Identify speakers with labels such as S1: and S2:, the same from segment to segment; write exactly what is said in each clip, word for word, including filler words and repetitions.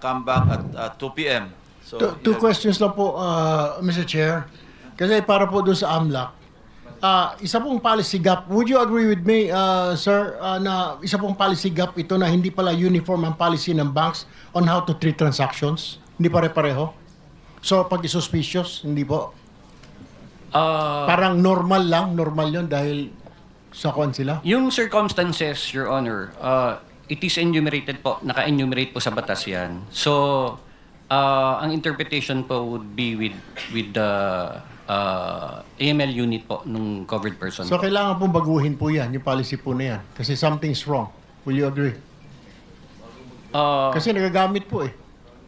S1: come back at uh, two p m So,
S2: Two, two
S1: yeah.
S2: questions lang po, uh, Mister Chair. Kasi para po doon sa AMLAC, uh, isa pong policy gap, would you agree with me, uh, sir, uh, na isa pong policy gap ito na hindi pala uniform ang policy ng banks on how to treat transactions? Hindi pare-pareho? So, pag suspicious, hindi po?
S3: Uh,
S2: Parang normal lang, normal yun dahil sa kuan sila?
S3: yung circumstances, Your Honor, uh, it is enumerated po, naka-enumerate po sa batas yan. So, uh, ang interpretation po would be with with the uh, A M L unit po nung covered person.
S2: So, kailangan pong baguhin po yan, yung policy po na yan. Kasi something's wrong. Will you agree?
S3: uh,
S2: Kasi nagagamit po eh.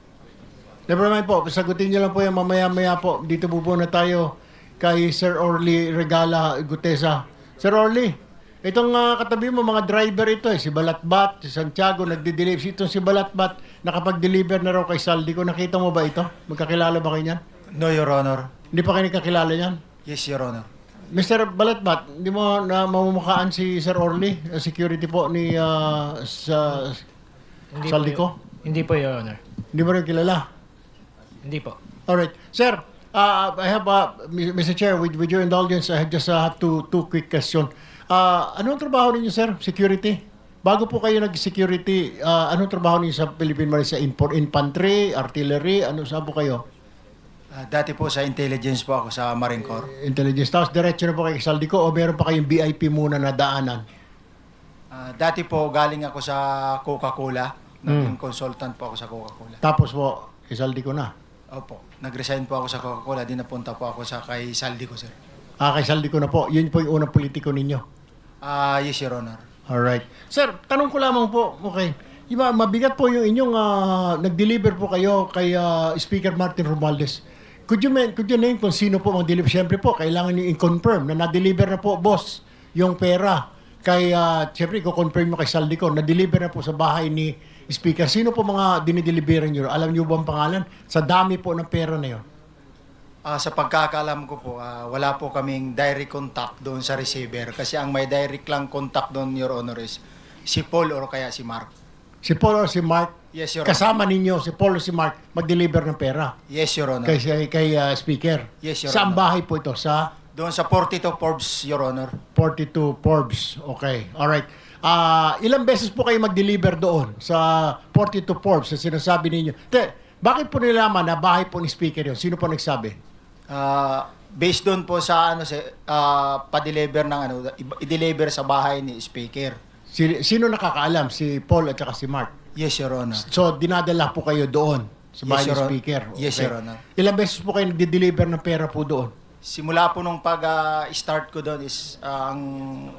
S2: Never mind po, sagutin niyo lang po yan mamaya-maya po. Dito po po na tayo kay Sir Orly Regala Gutesa. Sir Orly, itong uh, katabi mo, mga driver ito eh. Si Balatbat, si Santiago, nagde-deliver. Itong si Balatbat, nakapag-deliver na raw kay Saldico. Nakita mo ba ito? Magkakilala ba kayo niyan?
S4: No, Your Honor.
S2: Hindi pa kayo nagkakilala niyan?
S4: Yes, Your Honor.
S2: Mister Balatbat, hindi mo na mamumukhaan si Sir Orly, uh, security po ni uh, sa
S5: Hindi
S2: Saldico?
S5: Po, hindi po, Your Honor.
S2: Hindi mo rin kilala?
S5: Hindi po.
S2: Alright. Sir, uh, I have, uh, Mister Chair, with, with your indulgence, I just uh, have two, two quick question. Uh, anong trabaho ninyo, sir? Security? Bago po kayo nag-security, uh, anong trabaho ninyo sa Philippine Marine? Sa import, infantry, artillery, ano saan po kayo?
S4: Ah, dati po sa intelligence po ako sa Marine Corps.
S2: Intelligence. Tapos diretso na po kay Saldico o meron pa kayong V I P muna na daanan?
S4: Ah, dati po galing ako sa Coca-Cola. Naging consultant po ako sa Coca-Cola.
S2: Tapos po, kay Saldico na?
S4: Opo. Nag-resign po ako sa Coca-Cola. Di napunta po ako sa kay Saldico, sir.
S2: Ah, kay Saldico na po. Yun po yung unang politiko ninyo.
S4: Ah, yes, Your Honor.
S2: Alright. Sir, tanong ko lamang po, okay. Iba, mabigat po yung inyong uh, nag-deliver po kayo kay uh, Speaker Martin Romualdez. Could you, men- could you name kung sino po mag-deliver? Siyempre po, kailangan nyo i-confirm na na-deliver na po, boss, yung pera. Kay, uh, siyempre, i-confirm mo kay Saldico, na-deliver na po sa bahay ni Speaker. Sino po mga dinideliveran nyo? Alam nyo ba ang pangalan? Sa dami po ng pera na yun.
S4: Ah, sa pagkakaalam ko po, ah, wala po kaming direct contact doon sa receiver. Kasi ang may direct lang contact doon, Your Honor, is si Paul or kaya si Mark.
S2: Si Paul or si Mark?
S4: Yes, Your Honor.
S2: Kasama ninyo, si Paul or si Mark, mag-deliver ng pera.
S4: Yes, Your Honor.
S2: Kay, kay, kay uh, Speaker.
S4: Yes, Your
S2: Saan
S4: Honor.
S2: bahay po ito? Sa
S4: Doon sa forty-two Forbes, Your Honor.
S2: forty-two Forbes. Okay. Alright. Ah, ilang beses po kayo mag-deliver doon sa forty-two Forbes na sinasabi ninyo? Te, bakit po nilaman na bahay po ni Speaker yun? Sino po nagsabi?
S4: Ah, based doon po sa ano sa ah, pa-deliver ng ano, i- i-deliver sa bahay ni Speaker.
S2: Si, sino nakakaalam? Si Paul at saka si Mark.
S4: Yes, Your Honor.
S2: So, dinadala po kayo doon sa bahay
S4: Yes,
S2: ni
S4: Your Hon-
S2: Speaker.
S4: Yes, Your Honor.
S2: Ilang beses po kayo nag-deliver ng pera po doon?
S4: Simula po nung pag-start ko doon is ah, ang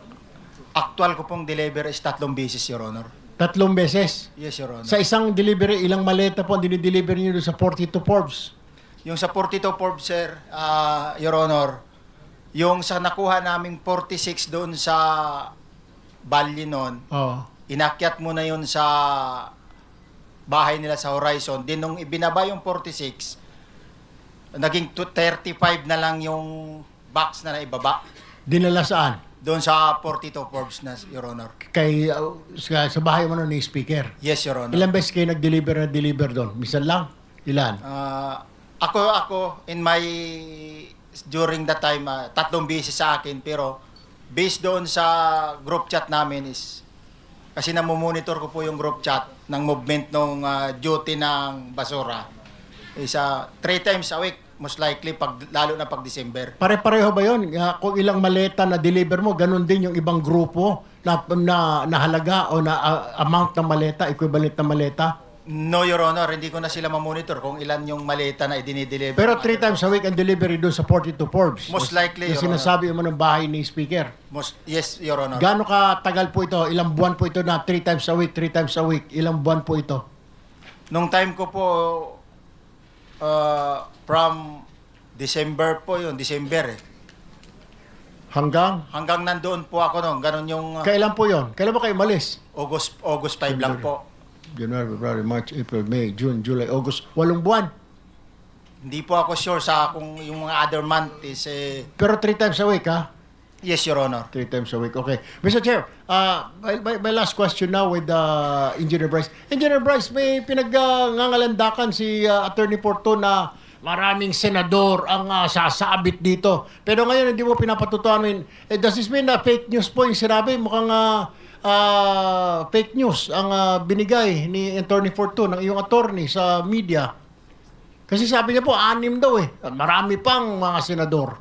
S4: actual ko pong deliver is tatlong beses, Your Honor.
S2: Tatlong beses.
S4: Yes, Your Honor.
S2: Sa isang delivery, ilang maleta po ang dinideliver niyo doon sa forty-two Forbes?
S4: Yung sa forty-two Forbes, sir, ah, Your Honor, yung sa nakuha naming forty-six doon sa Bali noon,
S2: Oo.
S4: inakyat mo na yun sa bahay nila sa Horizon. Din nung ibinaba yung forty-six, naging to- thirty-five na lang yung box na naibaba.
S2: Dinala saan?
S4: Doon sa forty-two Forbes na, Your Honor.
S2: Kay, uh, sa, sa bahay mo nun ni Speaker.
S4: Yes, Your Honor.
S2: Ilang beses kayo nag-deliver na deliver doon? Misan lang? Ilan?
S4: Ah, ako, ako, in my, during that time, ah, tatlong beses sa akin, pero based doon sa group chat namin is, kasi namumonitor ko po yung group chat ng movement ng duty ng basura. Is ah, three times a week, most likely, pag, lalo na pag December.
S2: Pare-pareho ba yun? Ah, kung ilang maleta na deliver mo, ganun din yung ibang grupo na, na, na halaga o na ah, amount ng maleta, equivalent na maleta?
S4: No, Your Honor, hindi ko na sila mamonitor kung ilan yung maleta na idinideliver.
S2: Pero three times a week ang delivery doon sa forty-two Forbes.
S4: Most likely,
S2: Yung
S4: Your
S2: sinasabi mo ng bahay ni Speaker.
S4: Most, yes, Your Honor.
S2: Gaano ka tagal po ito? Ilang buwan po ito na three times a week, three times a week? Ilang buwan po ito?
S4: Nung time ko po, uh, from December po yun, December eh.
S2: Hanggang?
S4: Hanggang nandoon po ako noon, ganun yung uh,
S2: Kailan po yon? Kailan ba kayo malis?
S4: August August five lang po.
S2: January, February, March, April, May, June, July, August. Walong buwan.
S4: Hindi po ako sure sa kung yung mga other month is eh,
S2: Pero three times a week, ha?
S4: Yes, Your Honor.
S2: Three times a week. Okay. Mister Chair, uh, my, my, my last question now with uh, Engineer Bryce. Engineer Bryce, may pinag-ngangalandakan si uh, Attorney Porto na maraming senador ang uh, sasabit dito. Pero ngayon, hindi mo pinapatutuanin. Eh, does this mean na fake news po yung sinabi? Mukhang uh, uh, fake news ang uh, binigay ni Attorney Porto ng iyong attorney sa media. Kasi sabi niya po, anim daw eh. Marami pang mga senador.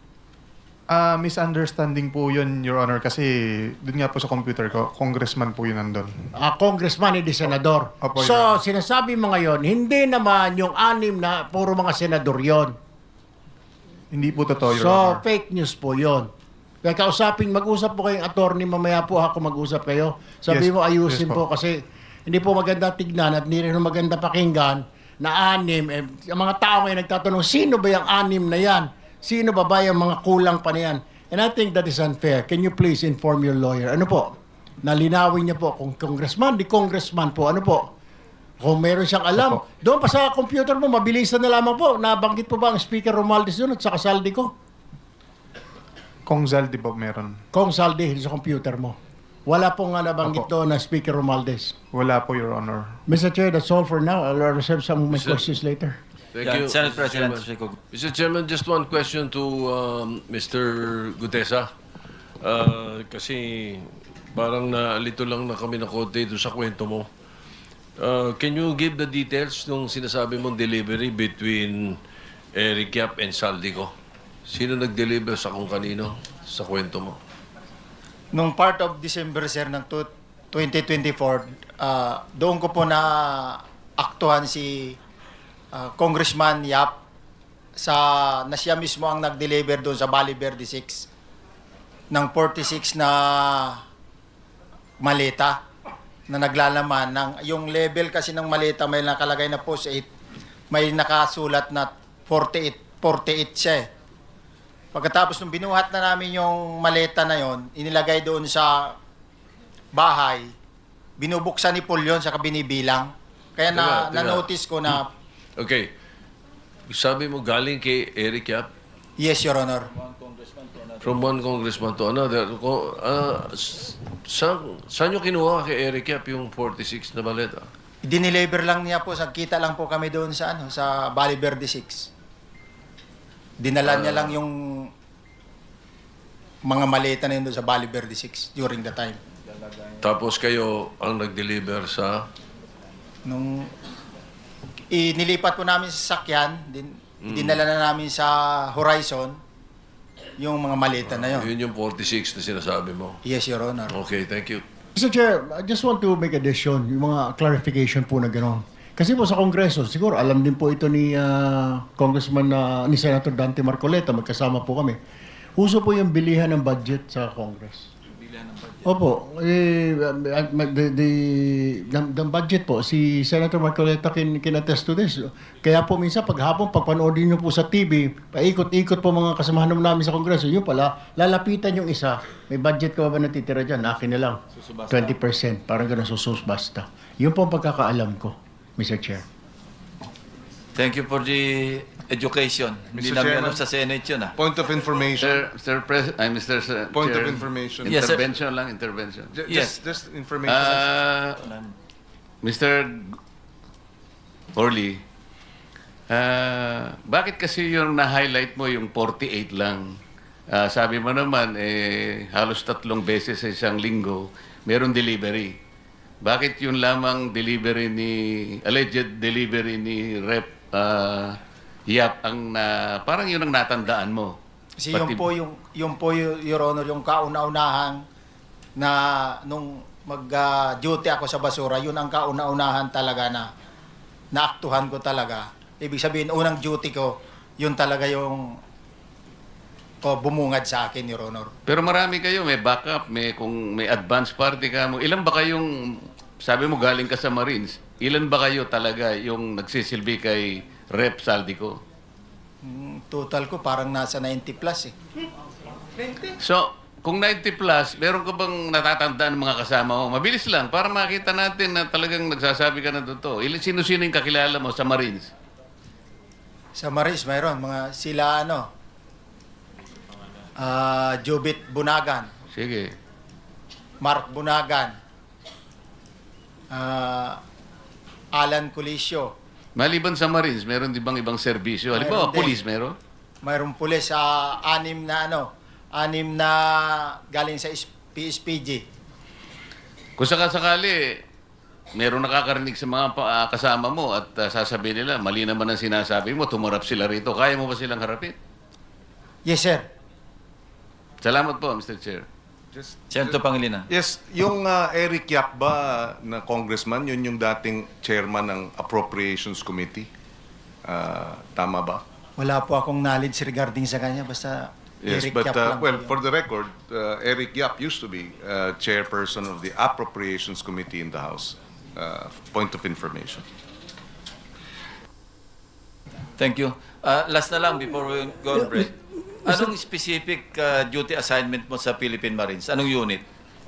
S6: Ah, misunderstanding po yun, Your Honor, kasi dun nga po sa computer ko, congressman po yun nandun.
S2: uh, congressman, hindi senador.
S6: Opo,
S2: So,
S6: Your Honor.
S2: sinasabi mo ngayon, hindi naman yung anim na puro mga senador yon.
S6: Hindi po totoo, Your
S2: So,
S6: Honor.
S2: fake news po yon. Kaya kausapin, mag-usap po kayong attorney, mamaya po ako mag-usap kayo. Sabi
S6: Yes,
S2: mo, ayusin
S6: yes
S2: po.
S6: po.
S2: Kasi hindi po maganda tignan at hindi rin maganda pakinggan na anim. Eh, ang mga tao ngayon nagtatanong, sino ba yung anim na yan? Sino ba ba yung mga kulang pa na yan? And I think that is unfair. Can you please inform your lawyer? Ano po? Nalinawin niya po kung congressman, di congressman po. Ano po? Kung meron siyang alam.
S6: Opo.
S2: Doon pa sa computer mo, mabilisan na lamang po. Nabanggit po ba ang Speaker Romualdez doon at saka Saldi ko?
S6: Kong Zal, di ba meron?
S2: Kung Saldi sa computer mo. Wala pong nga nabanggit
S6: Opo.
S2: doon na Speaker Romualdez.
S6: Wala po, Your Honor.
S2: Mister Chair, that's all for now. I'll reserve some of my questions later.
S7: Thank
S1: Yeah,
S7: you.
S1: Senate
S7: Mister
S1: President
S7: Chairman.
S1: Rico.
S7: Mister Chairman, just one question to um, Mister Gutesa. Uh, kasi parang naalito lang na kami na konti doon sa kwento mo. Uh, can you give the details nung sinasabi mong delivery between Eric Yap and Saldico? Sino nag-deliver sa kung kanino sa kwento mo?
S4: Nung part of December, sir, ng tu- twenty twenty-four, ah, doon ko po na aktuhan si ah, Congressman Yap sa na siya mismo ang nag-deliver doon sa Bali Verde six ng forty-six na maleta na naglalaman ng yung level kasi ng maleta may nakalagay na post eight, may nakasulat na forty-eight forty-eight siya eh. Pagkatapos nung binuhat na namin yung maleta na yon, inilagay doon sa bahay, binubuksan ni Paul yun, saka binibilang. Kaya na,
S7: Teka, teka.
S4: na-notice ko na,
S7: Okay. Sabi mo galing kay Eric Yap
S4: yes, Your Honor.
S7: from one congressman to another. Ko- Uh, s- saan, saan nyo kinuha kay Eric Yap yung forty-six na baleta?
S4: Dineliver lang niya po, sagkita lang po kami doon sa ano, sa Bali Verde six. Dinala niya lang yung mga maleta na yun doon sa Bali Verde six during the time.
S7: Tapos kayo ang nag-deliver sa...
S4: Nung inilipat po namin sa sakyan, din, dinala na namin sa Horizon yung mga maleta na yun.
S7: Yun yung forty-six na sinasabi mo.
S4: Yes, Your Honor.
S7: Okay, thank you.
S2: Mister Chair, I just want to make addition, yung mga clarification po na gano'n. Kasi po sa Kongreso, siguro alam din po ito ni uh, Congressman, uh, ni Senator Dante Marcoleta, magkasama po kami. Uso po yung bilihan ng budget sa Congress. Opo, eh, uh, the, the, the, the budget po, si Senator Marcoleta kin, kin attest to this. Kaya po minsan paghapon, pagpanoodin nyo po sa T V, paikot-ikot po mga kasamahan namin sa Kongreso, yun pala, lalapitan yung isa, may budget ka ba natitira dyan? Akin na lang, twenty percent, parang gano'n sususbasta. Yun po ang pagkakaalam ko, Mister Chair.
S1: Thank you for the education. Hindi
S8: Mister
S1: namin
S8: Chairman.
S1: alam sa Senate yun ah.
S8: Point of information.
S9: Sir, Sir Pres, ay Mister Sir,
S8: Point of
S9: Chair,
S8: information.
S1: Yes, sir.
S9: Intervention lang, intervention.
S8: Ju-
S1: Yes.
S8: Just, just information.
S9: Ah, Mister Orly, ah, bakit kasi yung na-highlight mo yung forty-eight lang? Ah, sabi mo naman, eh, halos tatlong beses sa isang linggo, meron delivery. Bakit yun lamang delivery ni, alleged delivery ni Rep ah, Yap ang na, parang yun ang natandaan mo?
S4: Kasi
S9: Pati-
S4: yung po yung yung po y- Your Honor yung kauna-unahan na nung mag-duty ako sa basura, yun ang kauna-unahan talaga na naaktuhan ko talaga. Ibig sabihin unang duty ko, yun talaga yung ko bumungad sa akin, Your Honor.
S9: Pero marami kayo, may backup, may kung may advance party ka mo. Ilan ba kayong, sabi mo galing ka sa Marines, ilan ba kayo talaga yung nagsisilbi kay Rep Saldico?
S4: Mm, Total ko parang nasa ninety plus eh.
S9: So, kung ninety plus, meron ka bang natatandaan ng mga kasama mo? Mabilis lang, para makita natin na talagang nagsasabi ka na totoo. Ilan sino-sino yung kakilala mo sa Marines?
S4: Sa Maris mayroon mga sila ano ah, Jubit Bunagan,
S9: Sige.
S4: Mark Bunagan, ah, Alan Colisio,
S9: Maliban sa Marines, meron di bang ibang serbisyo? Halimbawa,
S4: Mayroon din.
S9: police meron?
S4: mayroong pulis sa anim na ano, anim na galing sa P S P G.
S9: Kung sakasakali, meron nakakarinig sa mga pa- ah, kasama mo at ah, sasabihin nila, mali naman ang sinasabi mo, tumarap sila rito. Kaya mo ba silang harapin?
S4: Yes, sir.
S9: Salamat po, Mister Chair.
S8: Just,
S1: Senator Pangilinan.
S8: yes, yung uh, Eric Yap ba na congressman, yun yung dating chairman ng Appropriations Committee. Uh, tama ba?
S4: Wala po akong knowledge regarding sa kanya. Basta
S8: Yes,
S4: Eric
S8: but
S4: Yap
S8: uh,
S4: lang
S8: well,
S4: po yun.
S8: for the record, uh, Eric Yap used to be uh, chairperson of the Appropriations Committee in the House. Uh, point of information.
S1: Thank you. Uh, last na lang before we go on break. Anong specific uh, duty assignment mo sa Philippine Marines? Anong unit?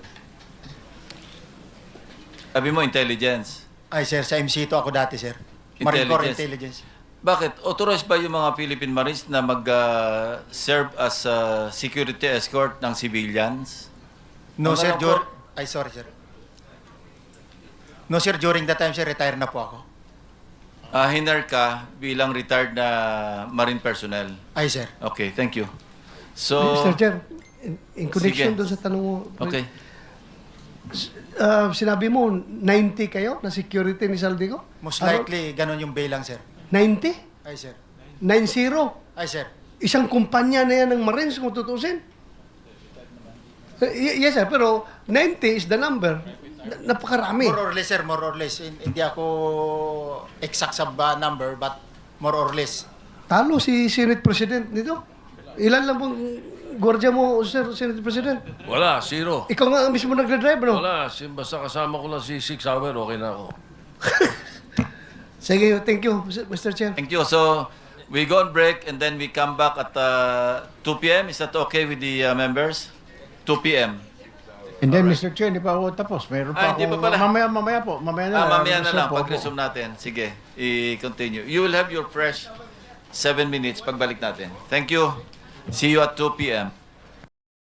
S1: Sabi mo, intelligence.
S4: Ay, sir, sa M C ito ako dati, sir. Marine Corps
S1: Intelligence.
S4: Intelligence.
S1: Bakit? Authorized ba yung mga Philippine Marines na mag-serve as uh, security escort ng civilians?
S4: No,
S1: Ang
S4: sir,
S1: alam
S4: dur-
S1: ko-
S4: Ay, sorry, sir. No, sir, during that time, sir, retire na po ako.
S1: Uh, hiner ka bilang retired na Marine personnel.
S4: Ay, sir.
S1: Okay, thank you. So,
S10: Mister Chair, in, in connection
S1: Sige.
S10: doon sa tanong mo,
S1: okay.
S10: ah, sinabi mo, ninety kayo na security ni Saldico?
S4: Most
S10: Ano?
S4: likely, ganun yung bilang, sir.
S10: ninety?
S4: Ay, sir.
S10: ninety?
S4: Ay, sir.
S10: Isang kumpanya na yan ng Marines kung tutusin. Eh, y- yes, sir, pero ninety is the number. Na- napakarami.
S4: More or less, sir, more or less. Hin- Hindi ako exact sa ba number, but more or less.
S10: Talo si Senate President nito. Ilan lang pong gwardiya mo, Sir Senate President?
S7: Wala, zero.
S10: Ikaw nga ang mismo nagdadrive, no?
S7: Wala, si- basta kasama ko lang si Six Hour, okay na ako.
S10: Sige, thank you, Mister Chair.
S1: Thank you. So, we go on break and then we come back at uh, two p m Is that okay with the uh, members? two p m
S2: And then, Mister Chair, hindi pa ako tapos. Mayroon
S1: Ah,
S2: pa
S1: hindi
S2: ako.
S1: pa pala.
S2: Mamaya, mamaya po. Mamaya na.
S1: Ah, mamaya na
S2: resume
S1: lang,
S2: po ako.
S1: pag-resume natin. Sige, i-continue. You will have your fresh seven minutes pagbalik natin. Thank you. See you at two p m